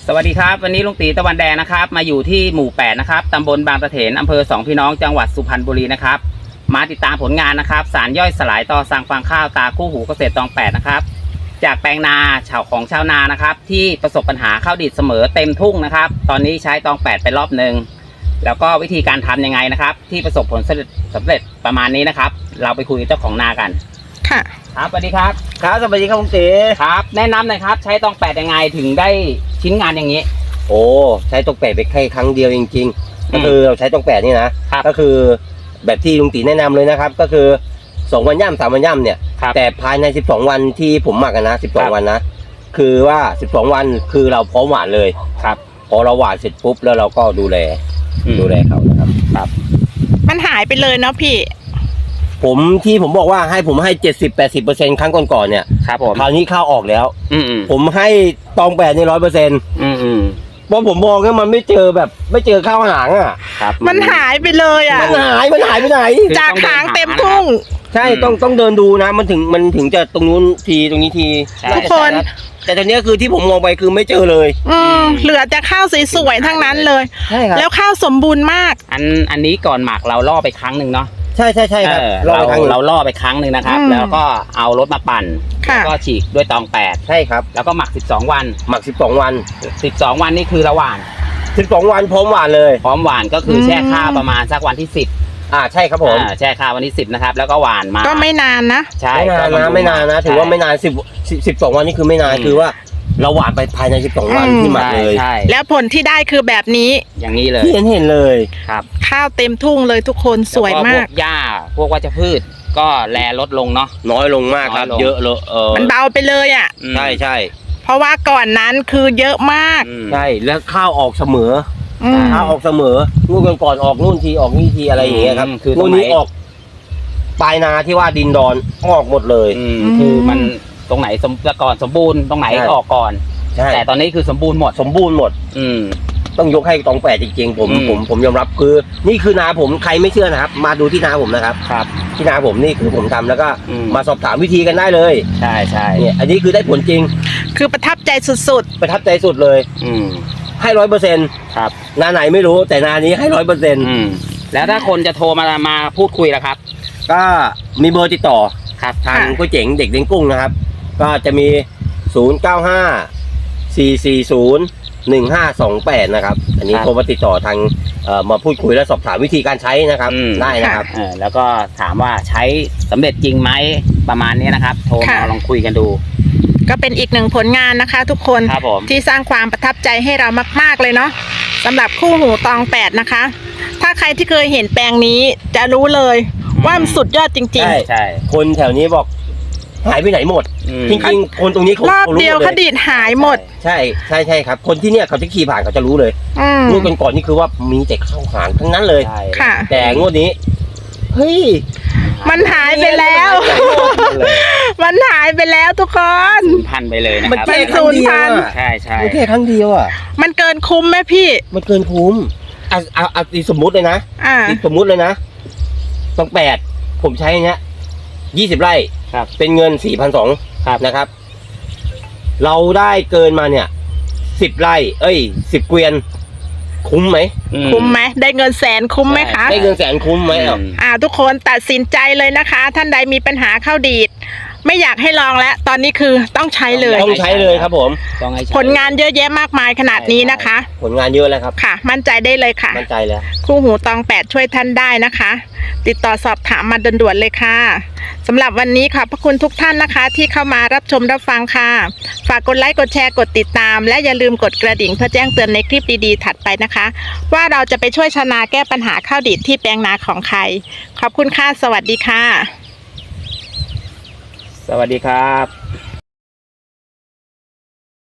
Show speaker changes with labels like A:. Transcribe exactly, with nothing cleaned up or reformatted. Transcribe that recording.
A: สวัสดีครับวันนี้ลุงตีตะวันแดงนะครับมาอยู่ที่หมู่แปดนะครับตำบลบางตะเถนอำเภอสองพี่น้องจังหวัดสุพรรณบุรีนะครับมาติดตามผลงานนะครับสารย่อยสลายต่อสั่งฟางข้าวตาคู่หูเกษตรตองแปดนะครับจากแปลงนาชาวของชาวนานะครับที่ประสบปัญหาข้าวดีดเสมอเต็มทุ่งนะครับตอนนี้ใช้ตองแปดไปรอบหนึ่งแล้วก็วิธีการทำยังไงนะครับที่ประสบผลสำเร็จประมาณนี้นะครับเราไปคุยกับเจ้าของนากัน
B: ค่ะ
A: ครับสวัสดีครับ
C: ครับสวัสดีครับลุงตี
A: ครับแนะนำหน่อยครับใช้ตองแปดยังไงถึงได้ชิ้นงานอย่างนี้
C: โอ้ใช้ตองแปดไปแค่ครั้งเดียวจริงๆก็คือเราใช้ตองแปดนี่นะก็คือแบบที่ลุงตีแนะนำเลยนะครับก็คือสองวันย่ำสามวันย่ำเนี่ยแต่ภายในสิบสองวันที่ผมหมักนะสิบสองวันนะคือว่าสิบสองวันคือเราพร้อมหว่านเลย
A: ครับ
C: พอเราหว่านเสร็จปุ๊บแล้วเราก็ดูแลดูแลเขานะครับ
A: ครับ
B: มันหายไปเลยเนาะพี่
C: ผมที่ผมบอกว่าให้ผมให้เจ็ดสิบแปดสิบเปอร์เซ็นต์ครั้งก่อนๆเนี่ย
A: ครับผม
C: คราวนี้ข้าวออกแล้ว
A: อื
C: ผมให้ตองแปดในร้อยเปอร์เซ็นต์เพราะผมมองว่ามันไม่เจอแบบไม่เจอข้าวหางอ่ะ
A: ครับ
B: มันหายไปเลยอ่ะ
C: มันหายมันหายไปไหน
B: จากหางเต็มทุ่ง
C: ใช่ต้องต้องเดินดูนะมันถึงมันถึงจะตรงนู้นทีตรงนี้ที
B: ทุกคน
C: แต่ตอนนี้คือที่ผมมองไปคือไม่เจอเลย
B: อืมเหลือแต่ข้าวสวยๆทั้งนั้นเลย
C: ใช่ครับ
B: แล้วข้าวสมบูรณ์มาก
A: อันอันนี้ก่อนหมักเราล่อไปครั้งหนึ่งเนาะ
C: ใช่ใช่ใช่ครับ
A: เราเราล่อไปครั้งหนึ่งนะครับแล้วก็เอารถมาปั่นแล้วก็ฉีกด้วยตองแปด
C: ใช่ครับ
A: แล้วก็หมักสิบสองวัน
C: หมักสิบสองวัน
A: สิบสองวันนี่คือระหว่าง
C: สิบสองวันพร้อมหวานเลย
A: พร้อมหวานก็คือแช่ข้าวประมาณสักวันที่สิบ
C: อ่าใช่ครับผม
A: แช่ข้าววันที่สิบนะครับแล้วก็หวานมา
B: ก็ไม่นานนะ
A: ใช่
C: ไม่นานนะไม่นานนะถือว่าไม่นานสิบสิบสองวันนี่คือไม่นานคือว่าเราหวานไปภายในสิบสองวันที่หมักเลย
B: แล้วผลที่ได้คือแบบนี้
A: อย่างนี้เลย
C: ที่เห็นเห็นเลย
A: ครับ
B: ข้าวเต็มทุ่งเลยทุกคนสวยมาก
A: พวกหญ้าพวกวัชพืชก็แลลดลงเนาะ
C: น้อยลงมากครับเยอะเลยเออ
B: มันเบาไปเลยอ่ะ
C: ใช่ใช่
B: เพราะว่าก่อนนั้นคือเยอะมาก
C: ใช่แล้วข้าวออกเสมอข้าวออกเสมอนู่นก่อนออกนู่นทีออกนี่ทีอะไรอย่างเงี้ยครับคือนู่นนี้ออกปลายนาที่ว่าดินดอนออกหมดเลย
A: คือมันตรงไหนสมก่อนสมบูรณ์ตรงไหนออกก่อนแต่ตอนนี้คือสมบูรณ์หมด
C: สมบูรณ์หมดอืมต้องยกให้ตองแปดจริงๆผมผมผมยอมรับคือนี่คือนาผมใครไม่เชื่อนะครับมาดูที่นาผมนะครับ
A: ครับ
C: ที่นาผมนี่คือผมทำแล้วก็มาสอบถามวิธีกันได้เลย
A: ใช่ใช่
C: เนี่ยอันนี้คือได้ผลจริง
B: คือประทับใจสุด
C: ๆประทับใจสุดเลย
A: อืม
C: ให้ร้อยเปอร์เซ็นต์
A: ครับ
C: นาไหนไม่รู้แต่นานี้ให้ร้อยเปอร์เซ็นต์
A: แล้วถ้าคนจะโทรมามาพูดคุยล่ะครับ
C: ก็มีเบอร์ติดต่อ
A: ครับ
C: ทางก๋วยเจ๋งเด็กเลี้ยงกุ้งนะครับก็จะมีศูนย์เก้าห้าสี่สี่ศูนย์หนึ่งห้าสองแปดนะครับอันนี้โทรมาติดต่อทางมาพูดคุยและสอบถามวิธีการใช้นะครับได้นะครับ
A: แล้วก็ถามว่าใช้สำเร็จจริงไหมประมาณนี้นะครับโทรมาลองคุยกันดู
B: ก็เป็นอีกหนึ่งผลงานนะคะทุกคนที่สร้างความประทับใจให้เรามากๆเลยเนาะสำหรับคู่หูตองแปดนะคะถ้าใครที่เคยเห็นแปลงนี้จะรู้เลยว่ามันสุดยอดจริงๆ
C: ใช่ใช่คนแถวนี้บอกหายไปไหนหมดจริงๆคนตรงนี้เขา
B: รอบเดียวคดีหายหมด
C: ใช่ใช่ใช่ครับคนที่เนี่ยเขาจะขี่ผ่านเขาจะรู้เลยงวดก่อนๆนี่คือว่ามีแต่ข้าวหางทั้งนั้นเลยแต่งวดนี้เฮ้ย
B: มันหายไปแล้วมันหายไปแล้วทุกคน
A: สูญพันธุ์ไปเลยนะครับ
C: มันสูญพันธุ์
A: ใช่ใช่
C: แค่ครั้งเดียวอ่ะ
B: มันเกินคุ้มไหมพี่
C: มันเกินคุ้มอ่ะเอาเอาสมมุติเลยนะสมมุติเลยนะต้องแปดผมใช้เนี้ยยี่สิบไร่เป็นเงินสี่พันสองนะครับเราได้เกินมาเนี่ยสิบไร่เอ้ยสิบเกวียนคุ้มไหม
B: คุ้มไหมได้เงินแสนคุ้มไหมคะ
C: ได้เงินแสนคุ้มไหม
B: อ่าทุกคนตัดสินใจเลยนะคะท่านใดมีปัญหาข้าวดีดไม่อยากให้ลองแล้วตอนนี้คือต้องใช้เลย
C: ต้องใช้เลยครับผม
B: ผลงานเยอะแยะมากมายขนาดนี้นะคะ
C: ผลงานเยอะแล้วครับ
B: ค่ะมั่นใจได้เลยค่ะ
C: มั่นใจแล้ว
B: คู่หูตองแปดช่วยท่านได้นะคะติดต่อสอบถามมาด่วนๆเลยค่ะสำหรับวันนี้ขอบพระคุณทุกท่านนะคะที่เข้ามารับชมรับฟังค่ะฝากกดไลค์กดแชร์กดติดตามและอย่าลืมกดกระดิ่งเพื่อแจ้งเตือนในคลิปดีๆถัดไปนะคะว่าเราจะไปช่วยชาวนาแก้ปัญหาข้าวดีดที่แปลงนาของใครขอบคุณค่ะสวัสดีค่ะ
A: สวัสดีครับ